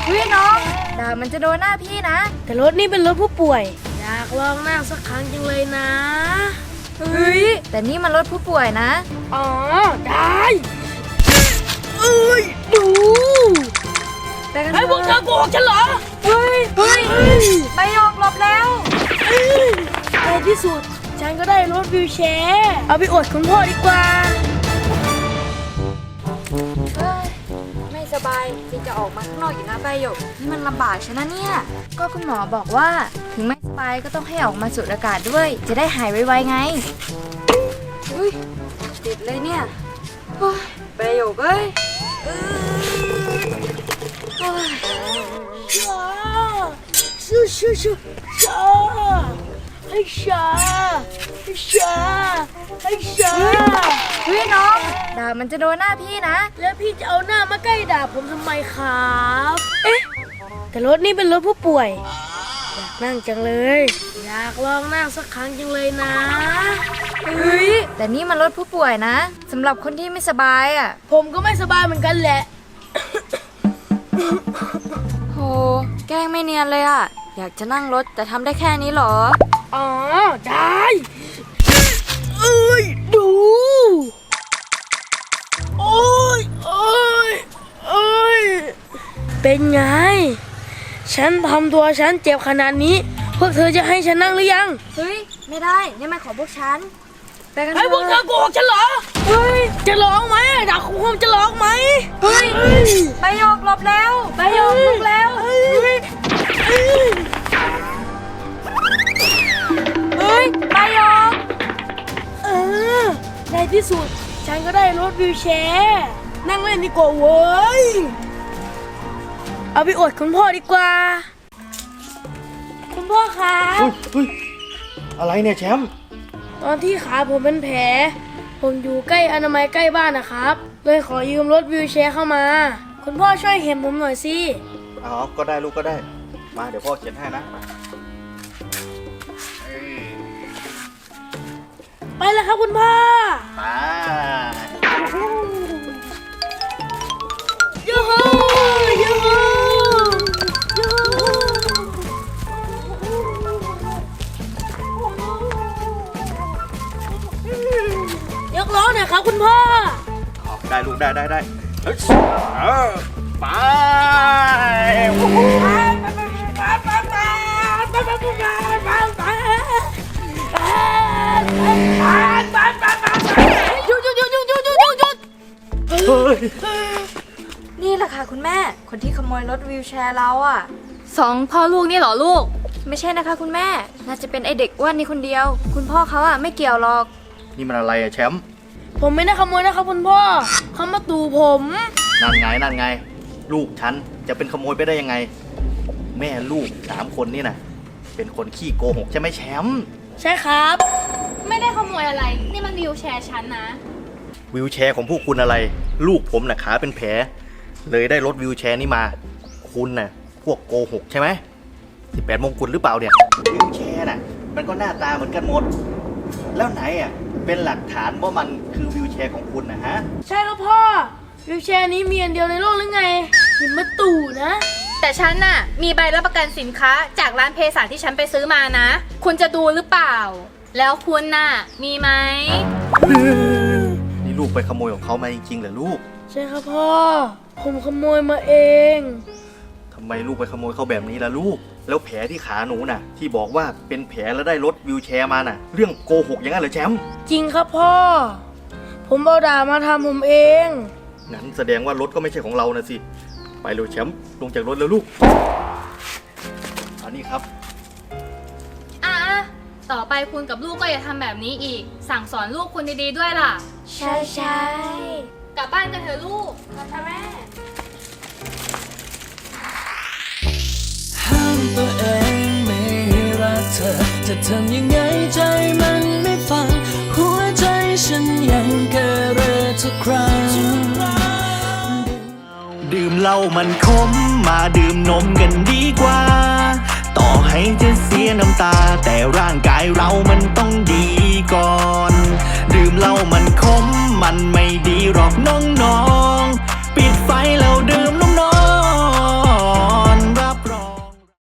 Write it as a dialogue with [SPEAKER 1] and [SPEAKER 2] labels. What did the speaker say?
[SPEAKER 1] เฮ้ยน้องดาบมันจะโดนหน้าพี่นะ
[SPEAKER 2] แต่รถนี่เป็นรถผู้ป่วยอยากลองนั่งสักครั้งจังเลยนะ
[SPEAKER 1] เฮ้ยแต่นี่มันรถผู้ป่วยนะ
[SPEAKER 2] อ๋อได้ดูไอ้พวกเธอโกหกฉันเหรอ
[SPEAKER 1] เฮ้ยใบหยกหลบแล้ว
[SPEAKER 2] ในที่สุดฉันก็ได้รถวิวแชร์เอาไปอวดคุณพ่อดีกว่า
[SPEAKER 1] ไม่สบายที่จะออกมาข้างนอกอยู่นะใบหยกนี่มันลำบากใช่นะเนี่ยก็คุณหมอบอกว่าถึงไม่สบายก็ต้องให้ออกมาสูดอากาศด้วยจะได้หายไวๆไงติดเลยเนี่ยใบหยกเอ้ยเฮ้ยน้องดาบมันจะโดนหน้าพี่นะ
[SPEAKER 2] แล้วพี่จะเอาหน้ามาใกล้ดาบผมทำไมครับเอ๊ะแต่รถนี่เป็นรถผู้ป่วยอยากนั่งจังเลยอยากลองนั่งสักครั้งจังเลยนะ
[SPEAKER 1] แต่นี่มันรถผู้ป่วยนะสำหรับคนที่ไม่สบายอ่ะ
[SPEAKER 2] ผมก็ไม่สบายเหมือนกันแหละ
[SPEAKER 1] โหแกล้งไม่เนียนเลยอ่ะอยากจะนั่งรถแต่ทำได้แค่นี้เหรอ
[SPEAKER 2] อ๋อได้ดูโอ้ยเป็นไงฉันทำตัวฉันเจ็บขนาดนี้พวกเธอจะให้ฉันนั่งหรือยัง
[SPEAKER 1] เฮ้ยไม่ได้นี่มันของพวกฉัน
[SPEAKER 2] ไปกันเถอะไอ้พวกเธอโกหกฉันเหรอจะร้องไหมดักคุณจะร้องไหม
[SPEAKER 1] ใบหยกหลบแล้วใบหยกลุกแล้วใบหยก
[SPEAKER 2] ในที่สุดฉันก็ได้รถวิวแชร์นั่งเล่นดีกว่าเว้ยเอาไปอวดคุณพ่อดีกว่าคุณพ่อครับ
[SPEAKER 3] อะไรเนี่ยแชมป์
[SPEAKER 2] ตอนที่ขาผมเป็นแผลผมอยู่ใกล้อนามัยใกล้บ้านนะครับเลยขอยืมรถวิวแชร์เข้ามาคุณพ่อช่วยเห็นผมหน่อยสิ
[SPEAKER 3] อ๋อก็ได้ลูกก็ได้มาเดี๋ยวพ่อเขียนให้นะ
[SPEAKER 2] ไปแล้วครับคุณพ่อยูฮูยูฮูยูฮูยกล้อหน่อยครับคุณพ่อ
[SPEAKER 3] ได้ลูกได้ไป
[SPEAKER 1] นี่แหละค่ะคุณแม่คนที่ขโมยรถวิวแชร์เราอ่ะ
[SPEAKER 4] 2 พ่อลูกนี่เหรอลูก
[SPEAKER 1] ไม่ใช่นะคะคุณแม่น่าจะเป็นไอเด็กอ้วนนี่คนเดียวคุณพ่อเขาอ่ะไม่เกี่ยวหรอก
[SPEAKER 3] นี่มันอะไรอะแชมป์
[SPEAKER 2] ผมไม่ได้ขโมยนะครับคุณพ่อเขามาตู่ผม
[SPEAKER 3] นั่นไงลูกฉันจะเป็นขโมยไปได้ยังไงแม่ลูก3 คนนี่นะเป็นคนขี้โกหกใช่ไหมแชมป์
[SPEAKER 2] ใช่ครับ
[SPEAKER 4] ไม่ได้ขโมยอะไรนี่มันวิวแชร์ฉันนะ
[SPEAKER 3] วิวแชร์ของพวกคุณอะไรลูกผมน่ะขาเป็นแผลเลยได้รถวิวแชร์นี่มาคุณน่ะพวกโกหกใช่ไหม18 มงกุฎหรือเปล่าเนี่ยวิวแชร์น่ะมันก็หน้าตาเหมือนกันหมดแล้วไหนอ่ะเป็นหลักฐานว่ามันคือวิวแชร์ของคุณนะฮะ
[SPEAKER 2] ใช่ครับพ่อวิวแชร์นี้มีอันเดียวในโลกหรือไงหินมาตู่นะ
[SPEAKER 4] แต่ฉันน่ะมีใบรับประกันสินค้าจากร้านเภสัชที่ฉันไปซื้อมานะคุณจะดูหรือเปล่าแล้วคุณน่ะมีไหม
[SPEAKER 3] นี่ลูกไปขโมยของเขามาจริงๆเหรอลูก
[SPEAKER 2] ใช่ครับพ่อผมขโมยมาเอง
[SPEAKER 3] ทำไมลูกไปขโมยเขาแบบนี้ล่ะลูกแล้วแผลที่ขาหนูน่ะที่บอกว่าเป็นแผลแล้วได้รถวิวแชร์มาน่ะเรื่องโกหกอย่างนั้นเหรอแชมป์
[SPEAKER 2] จริงครับพ่อผมเอาดาบมาทำผมเอง
[SPEAKER 3] งั้นแสดงว่ารถก็ไม่ใช่ของเรานะสิไปเร็วแชมป์ลงจากรถแล้วลูกอันนี้ครับ
[SPEAKER 4] ต่อไปคุณกับลูกก็อย่าทำแบบนี้อีกสั่งสอนลูกคุณดีๆด้วยล่ะ
[SPEAKER 1] ใช่
[SPEAKER 4] กลับบ้านกันเถอะลูกค่ะแม่
[SPEAKER 5] ห้ามตัวเองไม่รักเธอจะทำยังไงใจมันไม่ฟังหัวใจฉันยังเกเรทุกครั้งดื่มเหล้ามันขมมาดื่มนมกันดีกว่าต่อให้จะเสียน้ำตาแต่ร่างกายเรามันต้องดีก่อนดื่มเหล้ามันขมมันไม่ดีหรอกน้องๆปิดไฟแล้วดื่ม